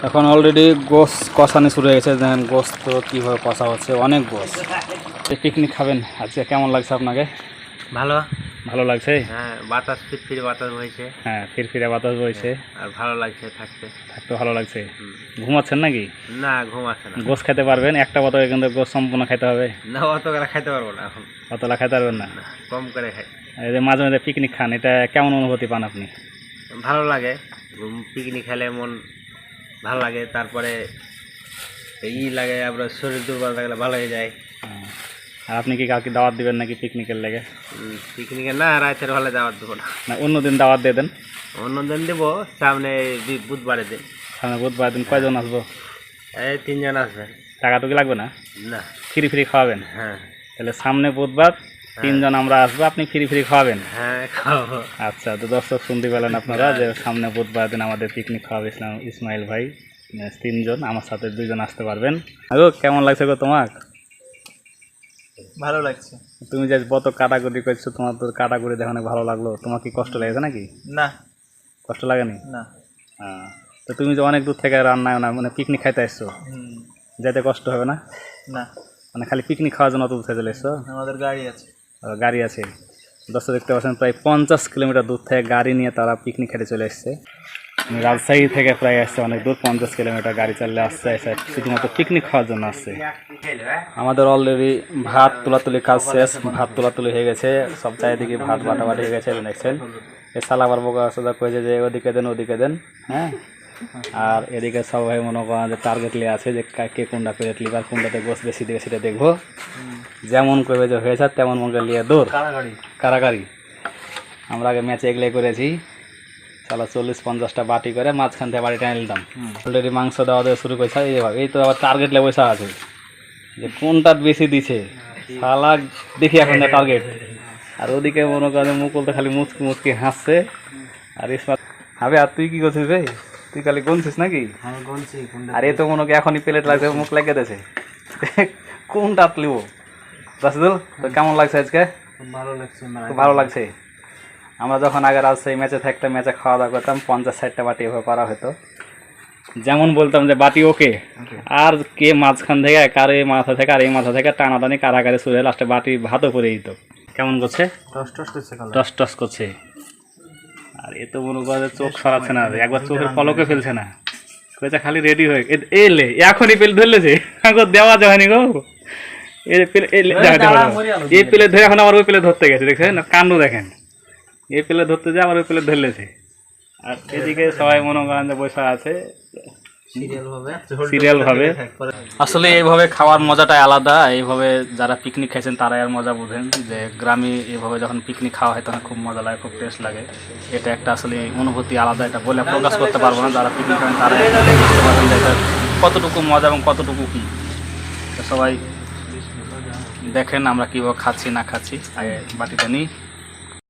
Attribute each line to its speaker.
Speaker 1: এখন অলরেডি গোস কষানো শুরু হয়ে গেছে। দেখেন গোস তো কীভাবে কষা হচ্ছে, অনেক গোস। পিকনিক খাবেন আজকে, কেমন লাগছে আপনাকে?
Speaker 2: ভালো
Speaker 1: ভালো লাগছে?
Speaker 2: হ্যাঁ, বাতাস ফিরফিরে বাতাস বইছে।
Speaker 1: হ্যাঁ, ফিরফিরে বাতাস বইছে।
Speaker 2: আর ভালো লাগছে থাকতে।
Speaker 1: থাকতে ভালো লাগছে। ঘুমাচ্ছেন নাকি?
Speaker 2: না, ঘুমাচ্ছে না।
Speaker 1: গোস খেতে পারবেন? একটা বোতলে কিন্তু গোস সম্পূর্ণ খেতে হবে।
Speaker 2: না, অত করে খাইতে পারবো না এখন।
Speaker 1: অতলা খেতে পারবেন না?
Speaker 2: কম করে খাই।
Speaker 1: এই যে মাঝে মাঝে পিকনিক খান, এটা কেমন অনুভূতি পান আপনি?
Speaker 2: ভালো লাগে, পিকনিক খেলে মন ভালো লাগে। তারপরে লাগে, আপনার শরীর দুর্বল থাকলে ভালো হয়ে যায়।
Speaker 1: আর আপনি কি কাউকে দাওয়াত দিবেন নাকি পিকনিকের লেগে?
Speaker 2: পিকনিকে না, রাতের হলে দাওয়াত দেবো না।
Speaker 1: না, অন্যদিন দাওয়াত দিয়ে দেন।
Speaker 2: অন্যদিন দেবো, সামনে বুধবারের দিন।
Speaker 1: সামনে বুধবার দিন কয়জন আসবো?
Speaker 2: এই 3 জন আসবেন।
Speaker 1: টাকাটুকি লাগবে না?
Speaker 2: না।
Speaker 1: ফ্রি ফ্রি খাওয়াবেন?
Speaker 2: হ্যাঁ।
Speaker 1: তাহলে সামনে বুধবার 3 জন আমরা আসবো, আপনি ফ্রি ফ্রি খাওয়াবেন?
Speaker 2: হ্যাঁ, খাওয়াবো।
Speaker 1: আচ্ছা, তো দর্শক শুনতে পেলেন আপনারা যে সামনে বুধবার দিন আমাদের পিকনিক খাওয়াবে ইসমাইল ভাই। 3 জন, আমার সাথে 2 জন আসতে পারবেন। আগো কেমন লাগছে গো তোমার?
Speaker 2: ভালো লাগছে।
Speaker 1: তুমি যে কত কাটাকুটি করছো, তোমার তো কাটাকুটি দেখে অনেক ভালো লাগলো। তোমার কি কষ্ট লেগেছে নাকি?
Speaker 2: না।
Speaker 1: কষ্ট লাগেনি?
Speaker 2: না।
Speaker 1: হ্যাঁ, তো তুমি যে অনেক দূর থেকে রান্নায় না মানে পিকনিক খাইতে আসছো, যেতে কষ্ট হবে না?
Speaker 2: না,
Speaker 1: মানে খালি পিকনিক খাওয়ার জন্য অত দূর থেকে চলে এসছো?
Speaker 2: আমাদের গাড়ি আছে।
Speaker 1: গাড়ি আছে। দর্শক দেখতে পাচ্ছেন প্রায় 50 কিলোমিটার দূর থেকে গাড়ি নিয়ে তারা পিকনিক খেতে চলে এসছে। রাজশাহী থেকে প্রায় আসছে অনেক দূর, 50 কিলোমিটার গাড়ি চালিয়ে আসছে, শুধুমাত্র পিকনিক খাওয়ার জন্য আসছে। আমাদের অলরেডি ভাত তোলাতুলি কাজ শেষ, ভাত তোলাতুলি হয়ে গেছে, সব চারিদিকে ভাত বাটাবাটি হয়ে গেছে। দেখছেন এই সালাবার বোকা সোজা কয়েছে যে ওদিকে দেন ওদিকে দেন। হ্যাঁ, আর এদিকে সবাই মনে করেন যে টার্গেট নিয়ে আছে যে কে কোনটা প্লেট লিবার, কোনটাতে গোস বেশি দিবে সেটা দেখবো। যেমন করবে যে হয়েছে তেমন মনে নিয়ে দৌড় কারাগারি। আমরা আগে ম্যাচে এগলে করেছি, চালা 40-50টা বাটি করে মাঝখান থেকে বাড়ি টেনে নিতাম। অলরেডি মাংস দেওয়া দেওয়া শুরু করেছে। এইভাবে এই তো আবার টার্গেট লে বসে আছে যে কোনটা বেশি দিছে, শালা দেখি এখন টার্গেট। আর ওদিকে মনে করেন মুকুল তো খালি মুচকি মুচকি হাসছে। আর ইসমাত হবে, আর তুই কি করছিস রে? তুই খালি গুনছিস নাকি? আর এ তো মনে করি এখনই প্লেট লাগছে, মুখ লাগিয়ে দিয়েছে। কোনটা লিব রাশিদুল, তো কেমন লাগছে আজকে?
Speaker 2: ভালো লাগছে।
Speaker 1: খুব ভালো লাগছে। আমরা যখন আগে রাজশাহী ম্যাচে থাকতাম, ম্যাচে খাওয়া দাওয়া করতাম, 50-60টা বাটি এভাবে করা হতো। যেমন বলতাম যে বাটি ওকে, আর কে মাঝখান থেকে কার এই মাথা থেকে আর এই মাথা থেকে টানাটানি কারাগারে শুয়ে লাস্টে বাটি ভাতও করে দিত। কেমন করছে? টস টস করছে। আর এ তো মনে করে চোখ সরাচ্ছে না, একবার চোখের পলকে ফেলছে না, কয়েছে খালি রেডি হয়ে এলে এখনই পেলে ধরলেছে, এখন দেওয়া যায়নি গো। এই প্লেট ধরে এখন আবার ওই প্লেট ধরতে গেছে, দেখছেন না কাণ্ড দেখেন। এই প্লেট ধরতে যায় আবার ওই প্লেট ধরলেছে। আর এদিকে সবাই মনে করেন যে বসে আছে সিরিয়াল ভাবে। আসলে এইভাবে খাওয়ার মজাটাই আলাদা। এইভাবে যারা পিকনিক খাইছেন তারাই আর মজা বুঝেন যে গ্রামে এইভাবে যখন পিকনিক খাওয়া হয় তখন খুব মজা লাগে, খুব টেস্ট লাগে। এটা একটা আসলে অনুভূতি আলাদা, এটা বলে প্রকাশ করতে পারবো না। যারা পিকনিক খাবেন তারা বুঝতে পারবেন যে এটা কতটুকু মজা এবং কতটুকু কী। সবাই দেখেন আমরা কীভাবে খাচ্ছি না খাচ্ছি। আগে বাটিটা নিই।